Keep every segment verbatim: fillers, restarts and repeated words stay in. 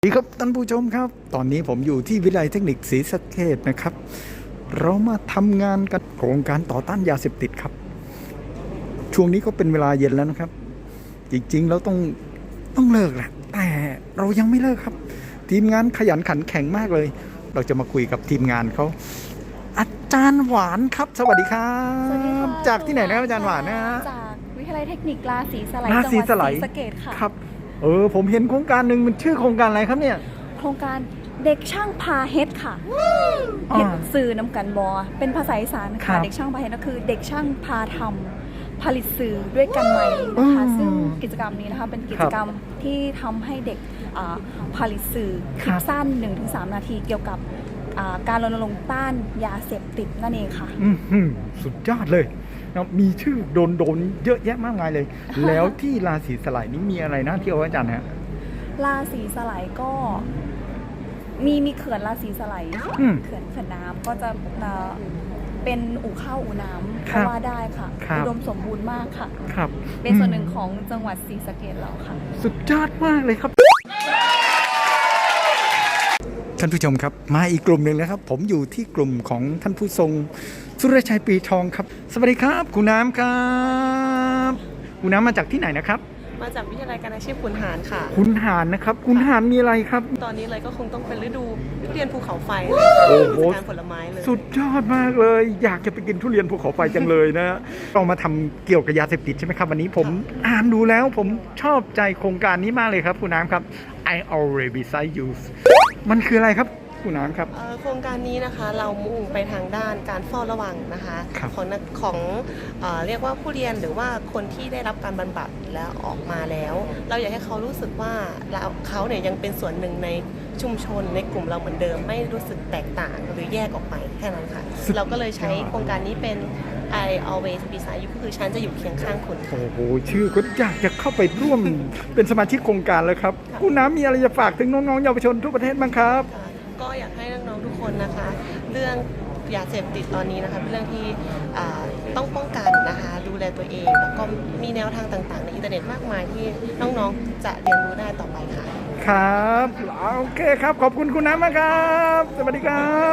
สวัสดีครับท่านผู้ชมครับตอนนี้ผมอยู่ที่วิทยาลัยเทคนิคศรีสะเกษนะครับเรามาทำงานกันโครงการต่อต้านยาเสพติดครับช่วงนี้ก็เป็นเวลาเย็นแล้วนะครับจริงๆเราต้องต้องเลิกแหละแต่เรายังไม่เลิกครับทีมงานขยันขันแข็งมากเลยเราจะมาคุยกับทีมงานเขาอาจารย์หวานครับสวัสดีครับสวัสดีค่ะจากที่ไหนนะครับอาจารย์หวานนะฮะจากวิทยาลัยเทคนิคราศีสไลราศีสไลจังหวัดศรีสะเกษค่ะครับเออผมเห็นโครงการหนึ่งมันชื่อโครงการอะไรครับเนี่ยโครงการเด็กช่างพาเฮ็ดค่ะเฮ็ดสื่อนำกันบอเป็นภาษาอีสานครัค่ะบเด็กช่างพาเฮ็ดก็คือเด็กช่างพาทำผลิตสื่อด้วยกันใหม่นะคะอืมซึ่งกิจกรรมนี้นะคะเป็นกิจกรรมที่ทำให้เด็กอ่าผลิตสื่อคคลิรัปบสั้น หนึ่งถึงสาม นาทีเกี่ยวกับอ่าการรณรงค์ต้านยาเสพติดนั่นเองค่ะอื้อหือสุดยอดเลยนะมีชื่อโดนโดนๆเยอะแยะมากมายเลย แล้วที่ราศีสไลด์นี้มีอะไรน่าเที่ยวอาจารย์ฮะราศีสไลด์ก็มีมีเขื่อนราศีสไลด์อืมเขื่อนเขื่อนน้ำก็จะเอ่อเป็นอู่ข้าวอู่น้ำครัก็บว่าได้ค่ะครับอุดมสมบูรณ์มากค่ะครับเป็นส่วนหนึ่งอืมของจังหวัดศรีสะเกษเราค่ะสุดยอดมากเลยครับ ท่านผู้ชมครับมาอีกกลุ่มหนึ่งแล้วครับ ผมอยู่ที่กลุ่มของท่านผู้ทรงสุรชัยปีทองครับ สวัสดีครับคุณน้ำครับคุณน้ำมาจากที่ไหนนะครับมาจากวิทยาลัยการอาชีพขุนหารค่ะคุณหานนะครับ คุณหานมีอะไรครับตอนนี้เลยก็คงต้องเป็นฤดูทุเรียนภูเขาไฟโอ้โหการผลไม้เลยสุดยอดมากเลย อยากจะไปกินทุเรียนภูเขาไฟจังเลยนะเรามาทำเกี่ยวกับยาเสพติดใช่ไหมครับวันนี้ผมอ่านดูแล้วผมชอบใจโครงการนี้มากเลยครับคุณน้ำครับ I already beside you มันคืออะไรครับคุณน้ำครับเอ่อโครงการนี้นะคะเรามุ่งไปทางด้านการเฝ้าระวังนะคะครับของนักของเออเรียกว่าผู้เรียนหรือว่าคนที่ได้รับการบำบัดแล้วออกมาแล้ว เราอยากให้เขารู้สึกว่าเราเขาเนี่ยยังเป็นส่วนหนึ่งในชุมชนในกลุ่มเราเหมือนเดิม ไม่รู้สึกแตกต่างหรือแยกออกไปแค่นั้นค่ะ เราก็เลยใช้โครงการนี้เป็น I always beside you ก็คือฉันจะอยู่เคียงข้างคุณค่ะโอ้โหชื่อก็อยากจะเข้าไปร่วม เป็นสมาชิกโครงการแล้วครับคุณน้ำมีอะไรจะฝากถึงน้องๆเยาวชนทั่วประเทศบ้างครับค่ะก็อยากให้น้องๆทุกคนนะคะ เรื่องยาเสพติดตอนนี้นะคะเป็นเรื่องที่อ่าต้องป้องกันนะคะ ดูแลตัวเอง แล้วก็มีแนวทางต่างๆ ในอินเทอร์เน็ตมากมายที่น้องๆจะเรียนรู้ได้ต่อไปค่ะครับโอเคครับขอบคุณคุณน้ำมากครับสวัสดีครับ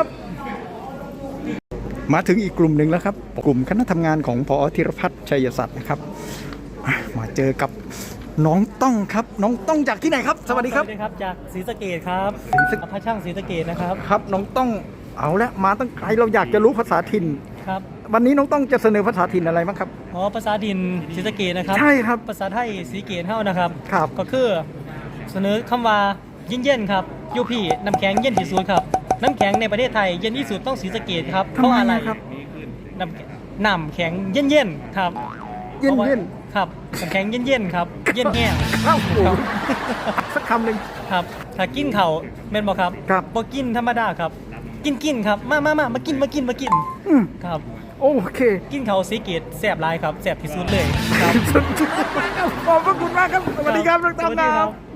มาถึงอีกกลุ่มหนึ่งแล้วครับ กลุ่มคณะทำงานของพอธีรพัฒน์ชัยศักดิ์นะครับอ่ะมาเจอกับน้องต้องครับ น้องต้องจากที่ไหนครับ สวัสดีครับสวัสดีครับจากศรีสะเกษครับศรีสะพระช่างศรีสะเกษนะครับครับน้องต้องเอาละมาตั้งไกลเราอยากจะรู้ภาษาถิ่นครับวันนี้น้องต้องจะเสนอภาษาถิ่นอะไรบ้างครับอ๋อภาษาดินศรีสะเกษนะครับใช่ครับภาษาไทยศรีเกษเท่านะครับครับก็คือเสนอคำว่าเย็นเย็นๆครับยูพี่น้ำแข็งเย็นที่สุดครับน้ำแข็งในประเทศไทยเย็นที่สุดต้องศรีสะเกษครับเพทำไมราะอะไรครับน้ำน้ำแข็งเย็นเย็นๆครับเย็นเย็นครับน้ำแข็งเย็นเย็นๆครับเย็นแห้งข้าวโอ้ครับสักคำหนึ่งครับถ้ากินเขาวแม่นบ่ครับครับบ่กินธรรมดาครับ กินกินครับมามามามากินมากินมากินอืมครับโอเคกินเขาวสีเกตแสบหลายครับแสบที่สุดเลยครับสุดยอดมากครับขอบพระคุณมากครับ สวัสดีครับน้องสตั้มวัสคดีรับ